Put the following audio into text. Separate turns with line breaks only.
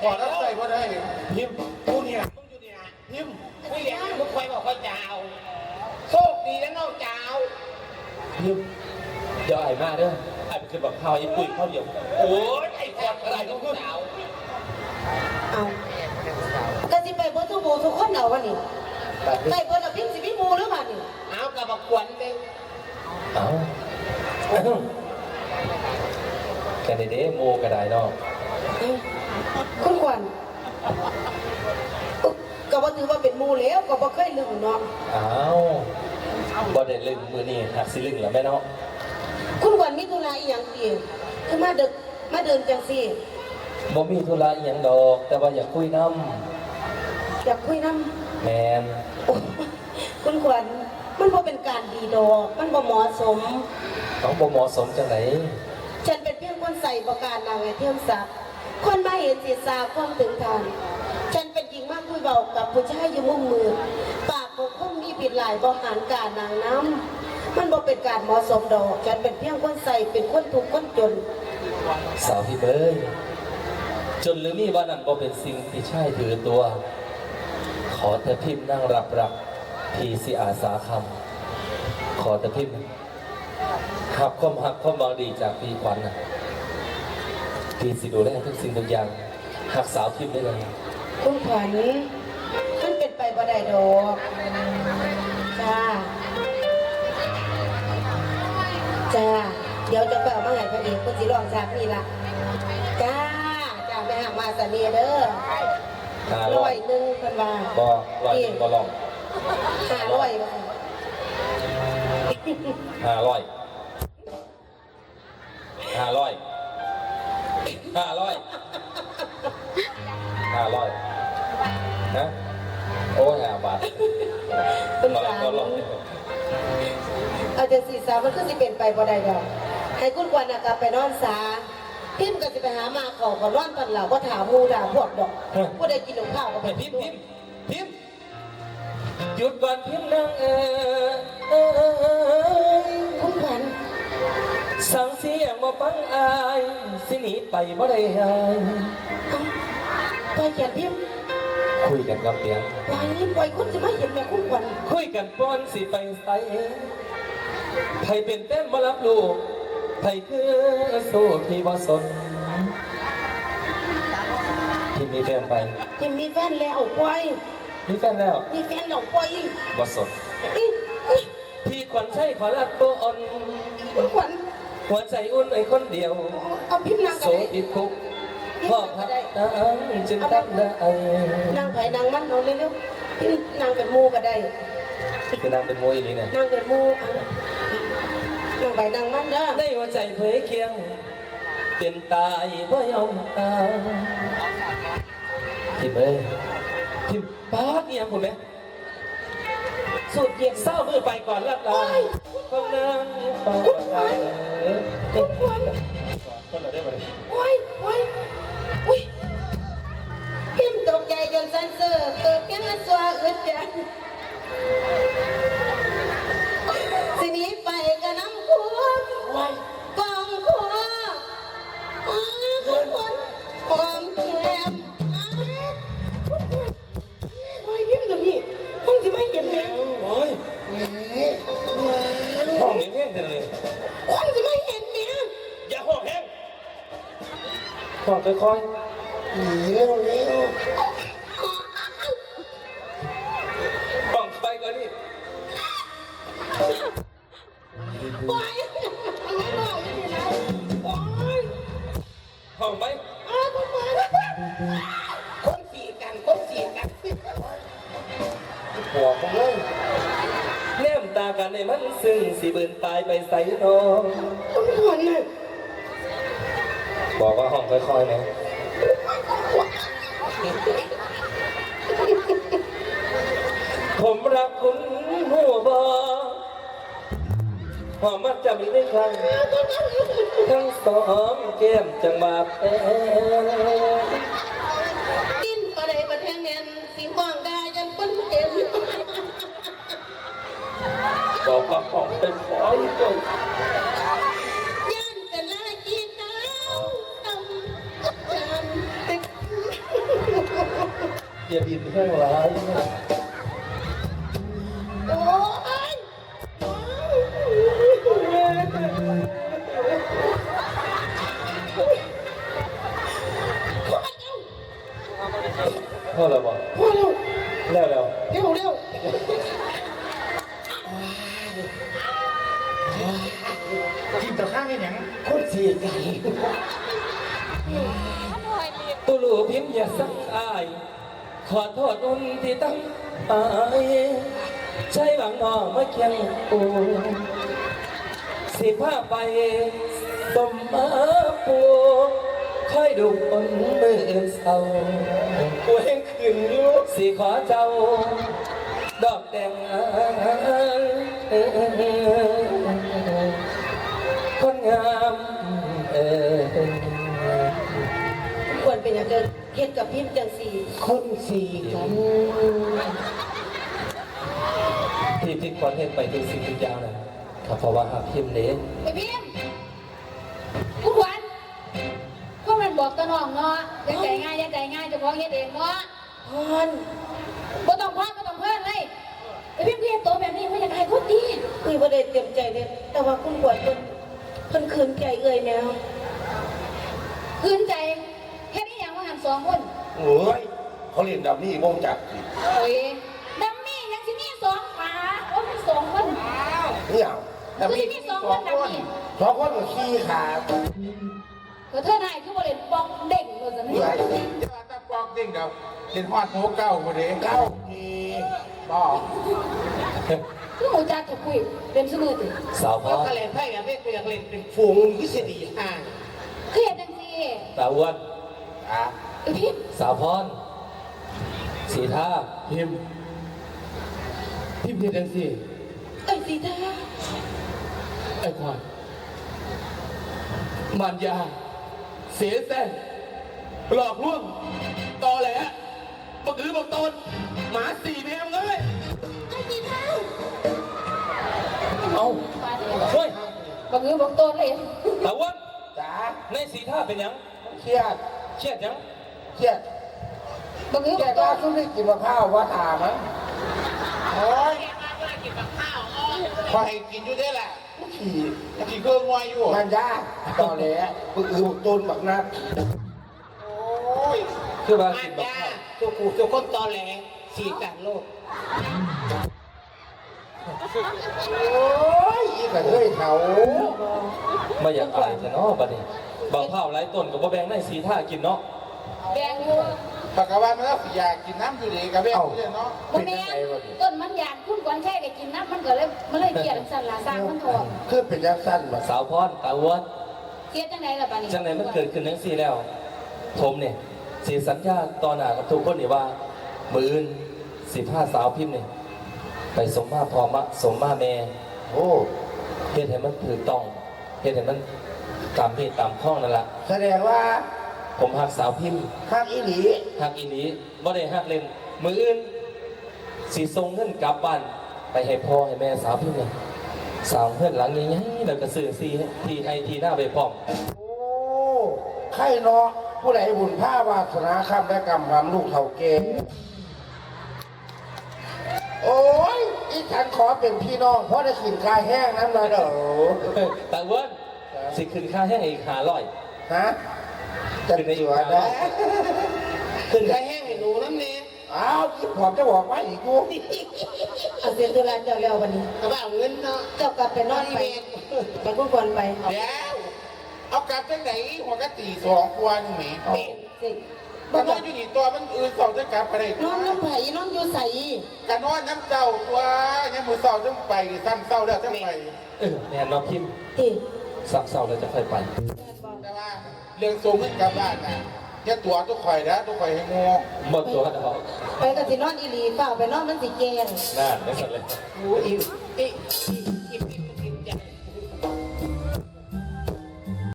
ขอรับใส่ก็ได้พิมพ์กูเนี่ย
มึงอยู่เนี่ย
พิมพ์
ไม่เลี้ยงมึงคอยบอกคอยจ้าวโชคดีแล้วน้องจ้าว
พิมพ์เดี๋ยวไอ้มาเด้อไอ้ไปขึ้นบอกข้าวไอ้ปุ้ยข้าวเดียว
โอ้ยไอ้คนอะไรน้องจ้าว
เอาก็สิไปเบิ่ทุกหมู่ทุกคนเอาวันนี้ไปเบิ่ละพิมพ์สิมีหมู่หรือเปล่านี่
เอากระบอกขวัญเลย
เอ้าแค่ในเด้โมกระไดเนาะ
คุณขวัญก็บ่ถือว่าเป็นหมู่แล้วก็บ่เคยลืมเนาะ
อ้าวบ่ได้ลึงมือนี่หักสิลึงแล้วแม่เนาะ
คุณขวัญมีธุระอีหยังติคือมาดึกมาเดินจังซี่
บ่มีธุระอีหยังดอก แต่ว่าอยากคุยน้
อยากคุยนำ
ำแมน
คุณขวัญมันบ่เป็นการดีดอกมันบ่เหมาะสม
ต้องบ่เหมาะสมจังไหน
ฉันเป็นเพียงคนใส่ประการนางไอเทียมศักดิ์คนมาเห็นศีรษะความถึงทางฉันเป็นหญิงมากคุยเบากับผู้ชายอยู่มุมมือปากของคนมีผิดหลายบริหารการนางน้ำมันบ่เป็นการเหมาะสมดอกฉันเป็นเพียงคนใส่เป็นคนทุกข์คนจน
สาวพี่เบยจนหรือมีว่านั้นบ่เป็นสิ่งที่ใช่ถือตัว ขอแต่พิมพ์นั่งรับพี่สิอาสาคำขอแต่พิมพ์หักความหักความบางดีจากพี่ขวัญนะพี่สิดูแลทุกสิ่งทุกอย่างหักสาวพิมพ์ได้เลย
คุณขวัญมันเป็นไปบ่ได้ดอกจ้าจ้าเดี๋ยวจะไปเอามาให้พอดีคุณสิลองจากนี่ละจ้าจ้าไปหามาสเนียเด้อ
500
ร้อยหนึ่งเพิ่นว่า
บ่100บ่ลอง
500ว่า
500 นะโอ้5 บาท
เป็น
ร้อย
สาม
บ่ลอง
เอาจะสีสามมันคือสิเป็นไปบ่ได้ดอกให้คุณกวนน่ะกลับไปนอนซาพิมพ์ก็สิไปหามาเขาก็ร้อนตอนหลังว่าถามหมูด่าพวกดอกผู้ใดกินหนูข้าวก็ไป
พิมพ์หยุดก่อนพิมพ์นั่ง
คุณขวัญ
สั่งเสียงมาฟังอายสิหนีไปบ่ได้หาย
ปล่อยเขียนพิมพ์
คุยกันกับเปียง
ปล่อยคนจะไม่เห็นแม่คุณขวัญ
คุยกันป้อนสิไปใส่ไผเป็นเต้นมารับลูกไผคือสู้ที่บ่สนที่มีแฟนไป
พิมพ์มีแฟนแล้วปล่อย
มีแฟนแล้ว
มีแฟนแล้วปล่อย
บ่สนพี่ขวัญใช่ขอรักตัวอ่อน
คุณขวัญ
หัวใจอุ่นไอ้คนเดียว
เอาพิมพ์นาง
โส
กันเลย
ติดคุกพ่อพักตาจึงทักได้
นางไผ่นางมันเอาเร็วๆพิมพ์นางเป็นหมูก็ได้
คือนางเป็นมวยนี่เนี่ย
นางเป็นหมูนางไผ่นางมันเด้อ
ในหัวใจเผยเคียงเป็นตายเพราะยอมตายทิมเอ้ยทิมป้าเนี่ยผมไหม
สูตรเย็น
เศร้ามือไปก่อนรับลาคนนั้นฟ้าคนเราได้ไหม
โอ้ยโอ้ยอุ้ยพิมพ์ตกใจจนสันเซอร์เกิดแค่ละสัวอึดจังสิหนี้ไปก็น้ำควงกองคัวคนความแคมโอ้ยพิมพ์ตรงนี้คงจะไม่เห็นแล้ว
โอ้ยห้องนี้แห้งจังเลย
คงจะไม่เห็นเนี่ย
อย่าห้องแห้งห้องค่อย
เร็วเร็ว
ๆห้องไปก่อนนี่
โอ้ยไม่บอกยังไงโอ้ย
ห้องไป
คนสีกันคนสีกัน
หัวของเลยแนมตากันในมันซึ่งสิเบิ่นตายไปใส่นอน
คุณขวัญน่ะ
บอกว่าห้องค่อยๆนะผมรักคุณหัวบอหอมมันจะมีได้ครั้งทั้งสองแก้มจังมาเป็น
กินก็ได้ประเทศเนียนสีห้องได้ยันคนเต็ม
บอกว่าห้องเป็นขอยจน
ยันแต่ละกีตาร์ทำ
อย่าบินแห้งร้าย
โอ้ย
พ่อเราบอก
พ่อเร็ว
แล้วแล้ว
เร็วเร็ว
ทีมต่อข้างนี่หยัง
คนเสียใจ
ตุลูพิมพ์อย่าสักอาย ขอโทษอุ่นที่ตั้งอายใช้หวังน้องมาเคียงปูสิพาไปต้มมาปูค่อยดูคนมือเศร้ากูเห็นขึ้นอยู่สิขอเจ้า ดอกแดงคนงาม
ควรเป็นอย่างเดิมเฮ็ดกับพิมพ์จังสี่
คนเสียกัน
ที่พิมพ์ควรเห็นไปทุกสิ่งทุกอย่างนะครับเพราะว่าหากพิมพ์เน้น
ไอ้พิมกูขวัญพวกมันบอกตะน้องเนาะอย่าใจง่ายอย่าใจง่ายเจะพ้าของเฮ็ดเองเนาะ
พร
บ่ต้องพลาดบ่ต้องเพิ่นเลยไอ้พิมเรียนตัวแบบนี้ไม่อยากให้คนดี
คุยบ่ได้เต็มใจเลยแต่ว่าคุณปวดเพิ่นคืนใจเอ่ยแมว
คืนใจแค่นี้อย่างว่าหันสองคน
โอ้ยเขาเรียนดับนี่วงจักรสิ
โอ้ยดัมมี่ยังสิมีสองขาโอ้ยสองคน
เนี่ยดับ
คือ
นี่
สิมีสองคนดัมมี่
สองคนกับขี้ขา
ก็เธอนายคือบ่เล่นปอกเด็กว่าซั่น
เมื่อย
เดี๋ยวตาปอกจริงเดี๋ยวเห็นฮอดหัวเก้าพอดี
เก้าทีบอก
คือหมูจักจะคุยเป็นสมือติ
สาวพ่อ
ก็เล่นไพ่กับเล่นเล่นเป็นฝูงวิสดีห่าง
คือเฮ็ดจังซี่
ตาอ้วน
อ่ะ
ไอ้พิม
สาวพรสีท่า
พิมพ์พิมพ์เฮ็ดจังซี่
เอ้ยสีท่า
ไอ้ควายมันยาเสียแส้นหลอกลวงตอแหลบักอือบักตนหมาสี่แมวเลย
ไอ้สีเท้า
เอาเฮ้ย
บักอือบักโตนเลย
ตาอ้วน
จ๋า
ในสีท่าเป็นหยัง
เครียด
เครียดหยัง
เครียด
บักอือ
แก
บักโต
ก็
น
ซุ่มได้กินมะพร้าวว่าถามมั้งโอ้ย
พอให้กินอยู่ได้แหละขี่ขี่เครื่องงวยอยู่
มันยากต่อแหล้วบึกอือบึกต้นบักนัด
โอ้ย
คือว่า
มั
กิ
น
นบัก
ยา
ข้าว
ตัวกูตัวคนตอแหลสีกันโลกโอ้ยอีกระเทยเขา
ไม่อยากอายแต่เนาะบัดนี้บางข้าวหลายต้นกับว่าแบงในสีท่ากินเนาะ
แดงอยู่
ปากกาวันมันก็อยากกินน้ำอยู่ดีกับแม่อยู่เนาะ
บ่แม่นต้นมันอยากคุณก่อนแค่ได้กินน้ำมันก็เลยมันเลยเกลียดจังซั่นล่ะสร้างมันทอง
คือเป็นยังสั้นมา
สาวพรตาอ้วน
เกลียดจังไดล่ะบัดนี้
จังไหนมันเกิดขึ้นทั้งสี่แล้ว ผมเนี่ยสีสัญญาตอนหน้ากับทุกคนนี่ว่า มืออื่น15สาวพิมพ์เนี่ยไปสมมาพอมะสมมาแม่
โอ้
เฮ็ดให้มันถูกต้องเฮ็ดให้มันตามเหตุตามข้องนั่นแหละ
แสดงว่า
ผมหักสาวพิมพ์
ข้างอีหลี
หักอีหลีบ่ได้หักเล่นมืออื่นสิส่งเงินกลับบ้านไปให้พ่อให้แม่สาวพิมพ์เนี่ยสาวเพื่อนหลังใหญ่ๆแล้วก็ซื้อซีทีไอทีหน้าไปพร้อม
โอ้ไข่เนาะผู้ใดบุญผ้าวาสนาคำและกรรมความลูกเท่าเกณฑ์โอ้ยอีฉันขอเป็นพี่น้องเพราะได้กินกายแห้งน้ำลายเด้อ
แต่อ้ว่าสิขึ้นค่าให้อีก500
ฮะจะเจือได้
ขึ้นไข่แห้งให้หนูน้ำเนี่ย
อ้าวที่ผมจะบอกว่าอีกกู
เอาเสียตุลาเจ้าแล้ววันนี้
กระเป๋าเงินเนาะ
เจ้ากลับไปนอนไปไปคุณปวดไป
เดี๋ยวเอากลับจังไหนหัวกะตี2 กว่าหนึ่งแหม
เอา
สิ
มันนอนอยู่นี่ตัวมันอื่นสองจะกลับไปได้
นอนน้ำไผ่นอนอยู่ใส
กันนอนน้ำเจ้าตัวยังมือเสาต้องไปซ้ำเสาแล้วต้องไป
แน่นอนพิมพ์
ที่
สักเสาร์แล้วจะค่อยไป
แต่ว่าเรื่องส่งเงินกลับบ้านน่ะอย่าตัวทุกข่อยนะทุกข่อยให้งอ
หมดตัวดอก
ไปกับสินอนอีหลีเปล่าไปนอนมันสิแกง
น่าไม่สนเลย
กูอี